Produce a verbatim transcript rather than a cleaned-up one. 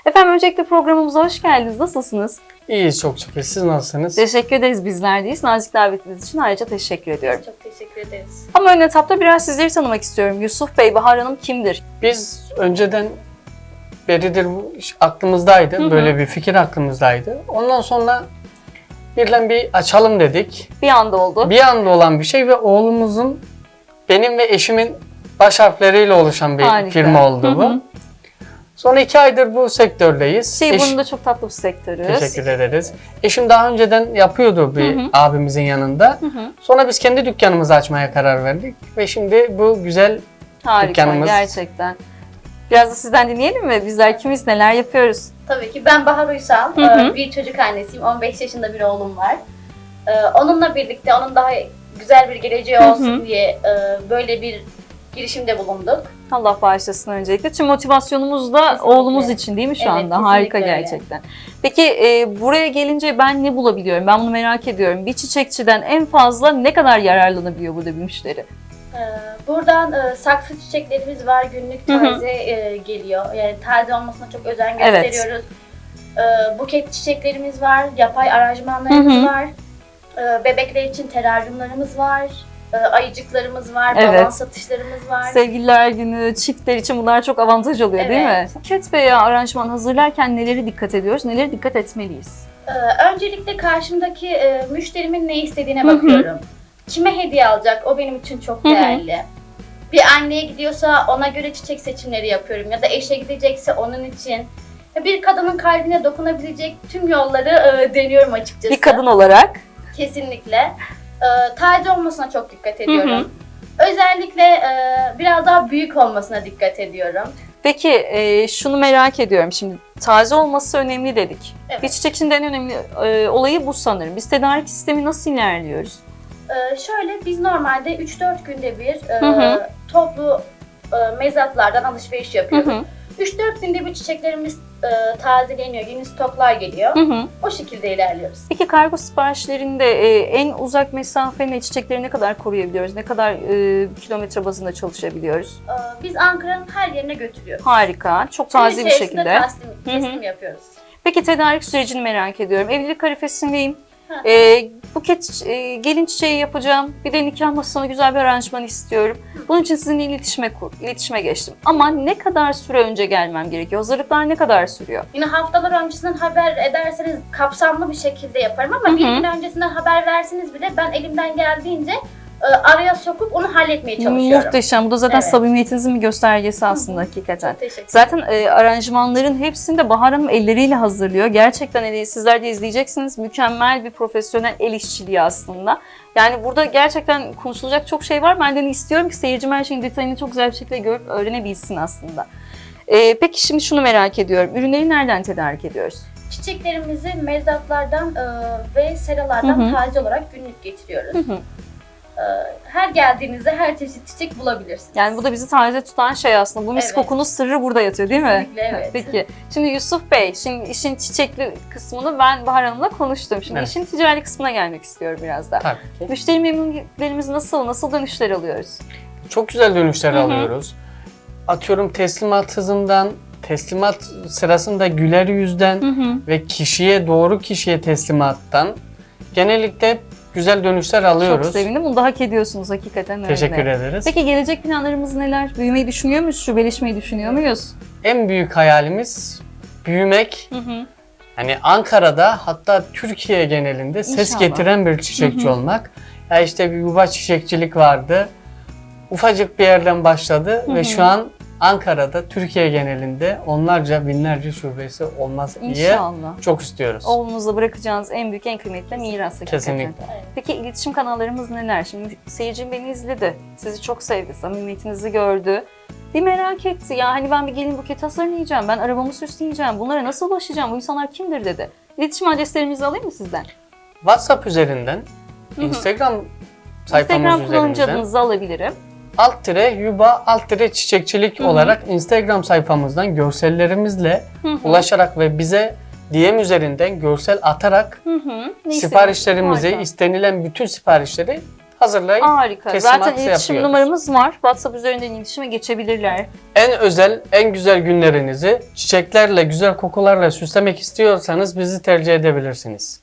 Efendim öncelikle programımıza hoş geldiniz. Nasılsınız? İyiyiz çok şükür. Siz nasılsınız? Teşekkür ederiz, bizler deyiz. Nazik davetiniz için ayrıca teşekkür ediyorum. Çok teşekkür ederiz. Ama ön etapta biraz sizleri tanımak istiyorum. Yusuf Bey, Bahar Hanım kimdir? Biz önceden beridir bu iş aklımızdaydı. Hı hı. Böyle bir fikir aklımızdaydı. Ondan sonra birden bir açalım dedik. Bir anda oldu. Bir anda olan bir şey ve oğlumuzun, benim ve eşimin baş harfleriyle oluşan bir Harika. firma oldu Hı bu. hı. Sonra iki aydır bu sektördeyiz. Şey, Eş- bunun da çok tatlı bir sektörüz. Teşekkür ederiz. Eşim daha önceden yapıyordu bir Hı hı. abimizin yanında. Hı hı. Sonra biz kendi dükkanımızı açmaya karar verdik. Ve şimdi bu güzel Harika, dükkanımız. gerçekten. Biraz da sizden dinleyelim mi? Bizler kimiz, neler yapıyoruz? Tabii ki ben Bahar Uysal, Hı hı. Ee, bir çocuk annesiyim, on beş yaşında bir oğlum var. Ee, Onunla birlikte onun daha güzel bir geleceği Hı hı. olsun diye e, böyle bir girişimde bulunduk. Allah bağışlasın öncelikle. Tüm motivasyonumuz da Kesinlikle. oğlumuz için değil mi şu Evet, anda? kesinlikle Harika öyle. gerçekten. Peki e, buraya gelince ben ne bulabiliyorum? Ben bunu merak ediyorum. Bir çiçekçiden en fazla ne kadar yararlanabiliyor burada bir müşteri? Ee, Buradan e, saksı çiçeklerimiz var, günlük Hı hı. taze e, geliyor. Yani taze olmasına çok özen Evet. gösteriyoruz. Ee, Buket çiçeklerimiz var, yapay aranjmanlarımız Hı hı. var. Ee, Bebekler için teraryumlarımız var. Ee, Ayıcıklarımız var, Evet. balon satışlarımız var. Sevgililer günü, çiftler için bunlar çok avantaj oluyor değil mi? Evet. Buket veya aranjman hazırlarken nelere dikkat ediyoruz, nelere dikkat etmeliyiz? Ee, Öncelikle karşımdaki e, müşterimin ne istediğine Hı hı. bakıyorum. Kime hediye alacak? O benim için çok Hı hı. değerli. Bir anneye gidiyorsa ona göre çiçek seçimleri yapıyorum. Ya da eşe gidecekse onun için. Ya bir kadının kalbine dokunabilecek tüm yolları e, deniyorum açıkçası. Bir kadın olarak. Kesinlikle. Ee, taze olmasına çok dikkat ediyorum. Özellikle e, biraz daha büyük olmasına dikkat ediyorum. Peki e, şunu merak ediyorum şimdi. Taze olması önemli dedik. Evet. Bir çiçekçinin en önemli e, olayı bu sanırım. Biz tedarik sistemi nasıl ilerliyoruz? Ee, şöyle biz normalde üç dört günde bir e, Hı hı. toplu e, mezatlardan alışveriş Hı yapıyoruz. hı. üç dört günde bir çiçeklerimiz e, tazeliyor, yeni stoklar geliyor. Hı hı. O şekilde ilerliyoruz. Peki kargo siparişlerinde e, en uzak mesafeyle çiçekleri ne kadar koruyabiliyoruz? Ne kadar e, kilometre bazında çalışabiliyoruz? Ee, biz Ankara'nın her yerine götürüyoruz. Harika, çok Gün taze bir içerisinde şekilde. Teslim, teslim yapıyoruz. Peki tedarik sürecini merak ediyorum. Evlilik arifesindeyim. Hı. E, buket e, gelin çiçeği yapacağım. Bir de nikah masasına güzel bir aranjman istiyorum. Bunun için sizinle iletişime kur, iletişime geçtim. Ama ne kadar süre önce gelmem gerekiyor? Hazırlıklar ne kadar sürüyor? Yine haftalar öncesinden haber ederseniz kapsamlı bir şekilde yaparım ama Hı hı. bir gün öncesinden haber verseniz bile ben elimden geldiğince e, araya sokup onu halletmeye çalışıyorum. Muhteşem. Bu da zaten Evet. samimiyetinizin bir göstergesi aslında hakikaten. Çok teşekkür ederim. Zaten e, aranjmanların hepsini de Bahar Hanım elleriyle hazırlıyor. Gerçekten hani sizler de izleyeceksiniz. Mükemmel bir profesyonel el işçiliği aslında. Yani burada gerçekten konuşulacak çok şey var. Ben de istiyorum ki seyircim her şeyin detayını çok güzel bir şekilde görüp öğrenebilsin aslında. E, peki şimdi şunu merak ediyorum. Ürünleri nereden tedarik ediyoruz? Çiçeklerimizi mezatlardan e, ve seralardan Hı hı. taze olarak günlük getiriyoruz. Hı hı. E, her geldiğinizde her çeşit çiçek bulabilirsiniz. Yani bu da bizi taze tutan şey aslında. Bu mis Evet. kokunun sırrı burada yatıyor değil mi? Kesinlikle, evet. Peki. Şimdi Yusuf Bey, şimdi işin çiçekli kısmını ben Bahar Hanım'la konuştum. Şimdi Evet. işin ticari kısmına gelmek istiyorum biraz da. tabii ki. Müşteri memnuniyetlerimiz nasıl, nasıl dönüşler alıyoruz? Çok güzel dönüşler Hı hı. alıyoruz. Atıyorum teslimat hızından, teslimat sırasında güler yüzden Hı hı. ve kişiye doğru kişiye teslimattan genellikle güzel dönüşler alıyoruz. Çok sevindim. Bunu da hak ediyorsunuz hakikaten öyle. Teşekkür ederiz. Peki gelecek planlarımız neler? Büyümeyi düşünüyor muyuz? Şubeleşmeyi düşünüyor muyuz? En büyük hayalimiz büyümek. Hı hı. Hani Ankara'da hatta Türkiye genelinde ses İnşallah. getiren bir çiçekçi Hı hı. olmak. Ya işte bir yuva çiçekçilik vardı. Ufacık bir yerden başladı Hı hı. ve şu an Ankara'da Türkiye genelinde onlarca binlerce şubesi olmaz diye İnşallah. çok istiyoruz. Oğlunuza bırakacağınız en büyük, en kıymetli miras hakikaten. Kesinlikle. Evet. Peki iletişim kanallarımız neler? Şimdi seyircim beni izledi, sizi çok sevdi, samimiyetinizi gördü. Bir merak etti ya hani ben bir gelin buket hazırlayacağım, ben arabamı süsleyeceğim, bunlara nasıl ulaşacağım, bu insanlar kimdir dedi. İletişim adreslerimizi alayım mı sizden? WhatsApp üzerinden, Hı hı. Instagram sayfamız Instagram kullanıcı üzerinden adınızı alabilirim. alt tire yuba alt tire çiçekçilik Hı hı. olarak Instagram sayfamızdan görsellerimizle Hı hı. ulaşarak ve bize D M üzerinden görsel atarak Hı hı. Ne siparişlerimizi, Harika. istenilen bütün siparişleri hazırlayıp Harika. teslimatı Zaten iletişim yapıyoruz. numaramız var. WhatsApp üzerinden iletişime geçebilirler. En özel, en güzel günlerinizi çiçeklerle, güzel kokularla süslemek istiyorsanız bizi tercih edebilirsiniz.